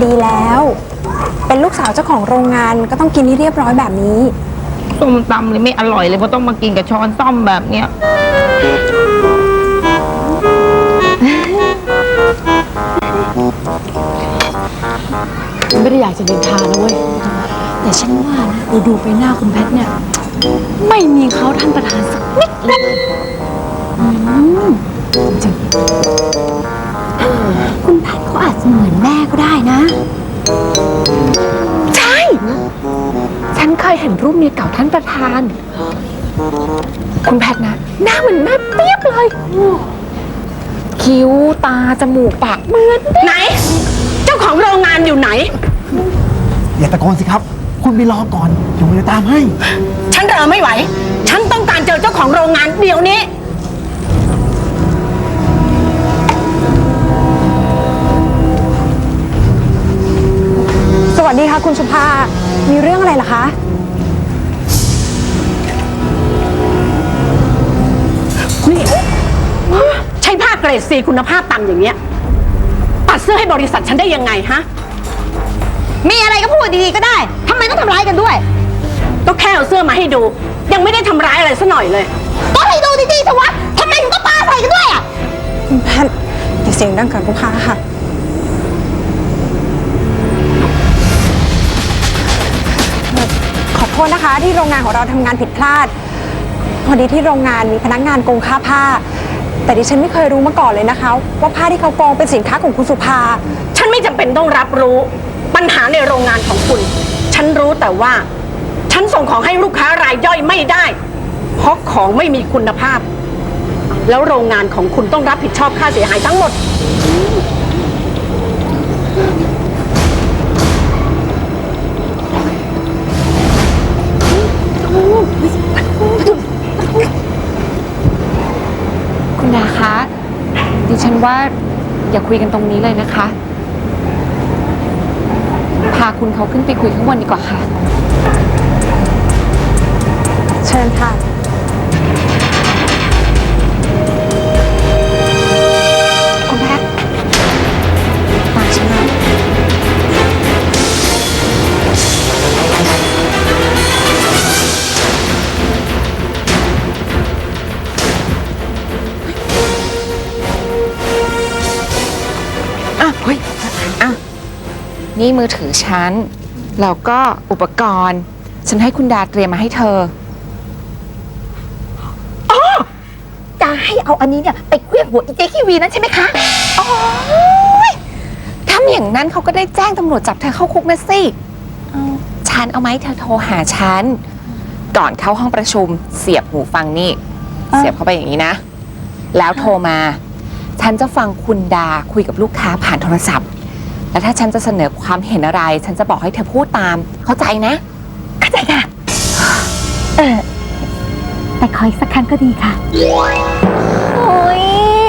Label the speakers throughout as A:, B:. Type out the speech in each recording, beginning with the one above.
A: ดีแล้ว เป็นลูกสาวเจ้าของโรงงานก็ต้องกินให้เรียบร้อยแบบนี้
B: ส้มตำเลยไม่อร่อยเลยเพราะต้องมากินกับช้อนส้อมแบบเนี้ย
C: ไม่ได้อยากจะนินทานะเว้ยแต่ฉันว่านะดูไปหน้าคุณแพทเนี่ยไม่มีเขาท่านประธานสักนิดเลยจริงคุณแพทเขาอาจจะเหมือนแม่ก็ได้นะใช่ฉันเคยเห็นรูปเมียเก่าท่านประธานคุณแพทนะหน้าเหมือนแม่เปียบเลยคิ้วตาจมูกปากเหมือน
D: ไหนเจ้าของโรงงานอยู่ไหน
E: อย่าตะโกนสิครับคุณไปรอก่อนเดี๋ยวผมจะตามให้
D: ฉันรอไม่ไหวฉันต้องการเจอเจ้าของโรงงานเดี๋ยวนี้
A: สวัสดีค่ะคุณสุภามีเรื่องอะไรล่ะคะ
D: นี่ใช้ผ้าเกรดซีคุณภาพต่ำอย่างเงี้ยตัดเสื้อให้บริษัทฉันได้ยังไงฮะ
B: มีอะไรก็พูดดีๆก็ได้ทำไมต้องทำร้ายกันด้วย
D: ก็แค่เอาเสื้อมาให้ดูยังไม่ได้ทำร้ายอะไรซะหน่อยเลย
B: ก็ให้ดูดีๆสิวะทำไมถึงก็ปาใส่กันด้วยอ่ะ
A: คุณแพทอย่าเสียงดังกับลูกค้าค่ะขอโทษนะคะที่โรงงานของเราทำงานผิดพลาดพอดีที่โรงงานมีพนักงานโกงค่าผ้าแต่ดิฉันไม่เคยรู้มาก่อนเลยนะคะว่าผ้าที่เขาโกงเป็นสินค้าของคุณสุภา
D: ฉันไม่จำเป็นต้องรับรู้ปัญหาในโรงงานของคุณฉันรู้แต่ว่าฉันส่งของให้ลูกค้ารายย่อยไม่ได้เพราะของไม่มีคุณภาพแล้วโรงงานของคุณต้องรับผิดชอบค่าเสียหายทั้งหมด
C: คุณดาคะดิฉันว่าอย่าคุยกันตรงนี้เลยนะคะพาคุณเขาขึ้นไปคุยข้างบนดีกว่าค่ะ
A: เชิญค่ะ
C: คุณแพทตามฉันมาเฮ้ยนี่มือถือฉันแล้วก็อุปกรณ์ฉันให้คุณดาเตรียมมาให้เธอ
B: จะให้เอาอันนี้เนี่ยไปเคลื่อนหัวอีเจคีวีนั้นใช่ไหมคะอ๋อถ้าอย่างนั้นเขาก็ได้แจ้งตำรวจจับเธอเข้าคุกนะสิฉันเอาไหมเธอโทรหาฉันก่อนเข้าห้องประชุมเสียบหูฟังนี่เสียบเข้าไปอย่างนี้นะแล้วโทรมาฉันจะฟังคุณดาคุยกับลูกค้าผ่านโทรศัพท์แล้วถ้าฉันจะเสนอความเห็นอะไรฉันจะบอกให้เธอพูดตามเข้าใจนะเข้าใจค่ะแต่ขออีกสักครั้งก็ดีค่ะโอ้ย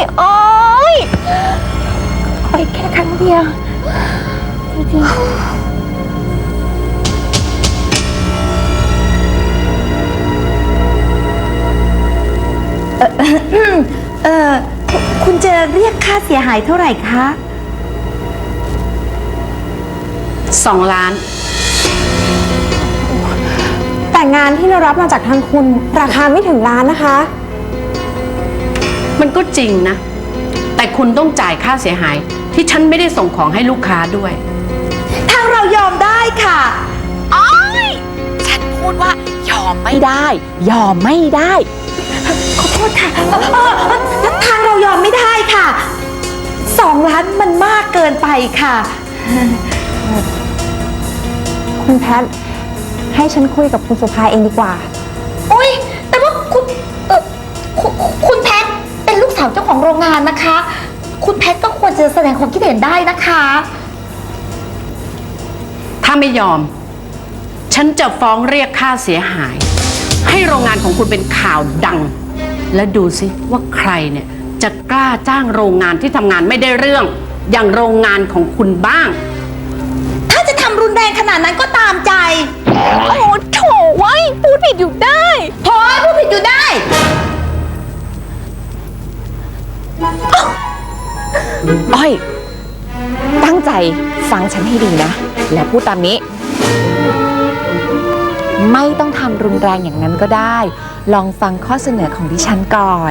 B: ขออีกแค่ครั้งเดียวจริง
F: คุณจะเรียกค่าเสียหายเท่าไหร่คะ
D: 2 ล้าน
A: แต่งานที่เรารับมาจากทางคุณราคาไม่ถึงล้านนะคะ
D: มันก็จริงนะแต่คุณต้องจ่ายค่าเสียหายที่ฉันไม่ได้ส่งของให้ลูกค้าด้วย
F: ทางเรายอมได้ค่ะ
C: อ้อยฉันพูดว่ายอมไม่ได้ยอมไม่ได้
F: ขอโทษค่ะทางเรายอมไม่ได้ค่ะ2 ล้านมันมากเกินไปค่ะ
A: คุณแพทให้ฉันคุยกับคุณสุภาเองดีกว่า
F: โอ๊ยแต่ว่าคุณแพทเป็นลูกสาวเจ้าของโรงงานนะคะคุณแพทก็ควรจะแสดงความคิดเห็นได้นะคะ
D: ถ้าไม่ยอมฉันจะฟ้องเรียกค่าเสียหายให้โรงงานของคุณเป็นข่าวดังและดูสิว่าใครเนี่ยจะกล้าจ้างโรงงานที่ทำงานไม่ได้เรื่องอย่างโรงงานของคุณบ้าง
F: ถ้าจะทำรุนแรงขนาดนั้นก็ตามใจ
C: โอ้โถไว้พูดผิดอยู่ได้
F: โถพูดผิดอยู่ได้
C: อ้อยตั้งใจฟังฉันให้ดีนะ และพูดตามนี้ ไม่ต้องทำรุนแรงอย่างนั้นก็ได้ ลองฟังข้อเสนอของดิฉันก่อน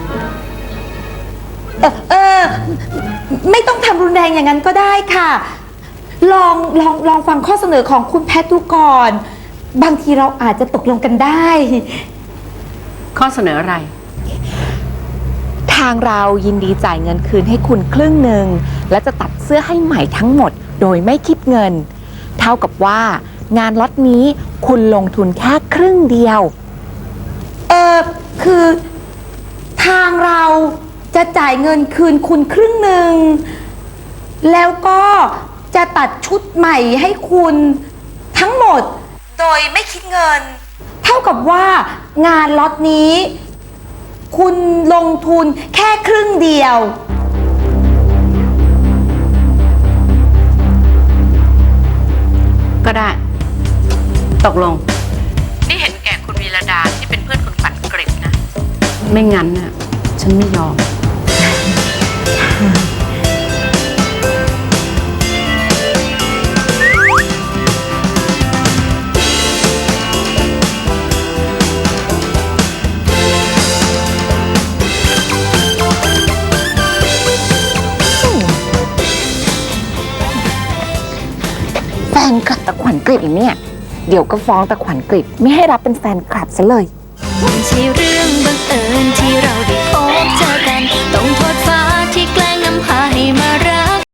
F: ไม่ต้องทำรุนแรงอย่างนั้นก็ได้ค่ะ ลองฟังข้อเสนอของคุณแพทดูก่อน บางทีเราอาจจะตกลงกันได้
D: ข้อเสนออะไร
C: ทางเรายินดีจ่ายเงินคืนให้คุณครึ่งหนึ่งและจะตัดเสื้อให้ใหม่ทั้งหมด โดยไม่คิดเงิน เท่ากับว่างานล็อตนี้คุณลงทุนแค่ครึ่งเดียว
F: คือทางเราจะจ่ายเงินคืนคุณครึ่งหนึ่งแล้วก็จะตัดชุดใหม่ให้คุณทั้งหมด โดยไม่คิดเงิน เท่ากับว่างานล็อตนี้ คุณลงทุนแค่ครึ่งเดียว
D: ก็ได้ ตกลง นี่เห็นแก่คุณวีระดาที่เป็นเพื่อนคุณขวัญกฤษนะ ไม่งั้นน่ะ ฉันไม่ยอม
C: แฟนคลับตะขวัญกฤษอีกเนี่ย เดี๋ยวก็ฟ้องตะขวัญกฤษไม่ให้รับเป็นแฟนคลับซะเลย
G: ไม่ใช่เรื่องบังเอิญที่เราได้พบเจอกันต้องโท